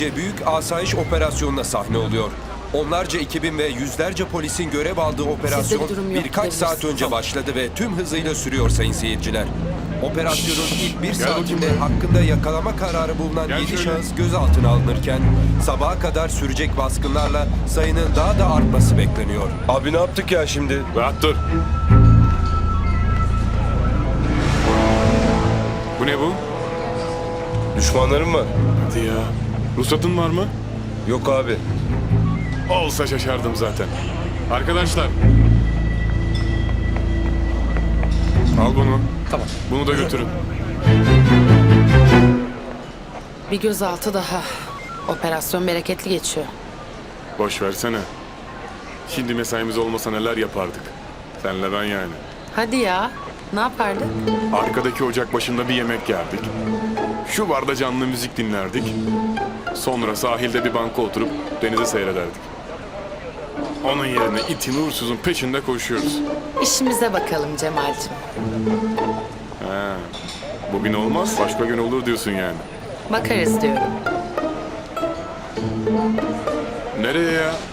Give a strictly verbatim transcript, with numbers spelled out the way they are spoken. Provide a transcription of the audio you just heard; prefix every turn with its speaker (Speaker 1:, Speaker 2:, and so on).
Speaker 1: büyük asayiş operasyonuna sahne oluyor. Onlarca ekibin ve yüzlerce polisin görev aldığı operasyon
Speaker 2: durum yok,
Speaker 1: birkaç saat
Speaker 2: gidebilirsin.
Speaker 1: önce başladı ve tüm hızıyla sürüyor sayın seyirciler. Operasyonun ilk bir
Speaker 3: Gel
Speaker 1: saatinde
Speaker 3: bakayım.
Speaker 1: hakkında yakalama kararı bulunan
Speaker 3: Gel
Speaker 1: yedi
Speaker 3: şöyle.
Speaker 1: şahıs gözaltına alınırken sabaha kadar sürecek baskınlarla sayının daha da artması bekleniyor.
Speaker 4: Abi ne yaptık ya şimdi?
Speaker 3: Rahat dur. Bu ne bu?
Speaker 4: Düşmanlarım var.
Speaker 3: Hadi ya. Ruhsatın var mı?
Speaker 4: Yok abi.
Speaker 3: Olsa şaşardım zaten. Arkadaşlar. Al bunu. Tamam. Bunu da götürün.
Speaker 2: Bir gözaltı daha. Operasyon bereketli geçiyor.
Speaker 3: Boş versene. Şimdi mesaimiz olmasa neler yapardık. Senle ben yani.
Speaker 2: Hadi ya. Ne yapardık?
Speaker 3: Arkadaki ocak başında bir yemek yerdik. Şu barda canlı müzik dinlerdik. Sonra sahilde bir banka oturup denize seyrederdik. Onun yerine itin uğursuzun peşinde koşuyoruz.
Speaker 2: İşimize bakalım Cemal'cim.
Speaker 3: He. Bugün olmaz, başka gün olur diyorsun yani.
Speaker 2: Bakarız diyorum.
Speaker 3: Nereye ya?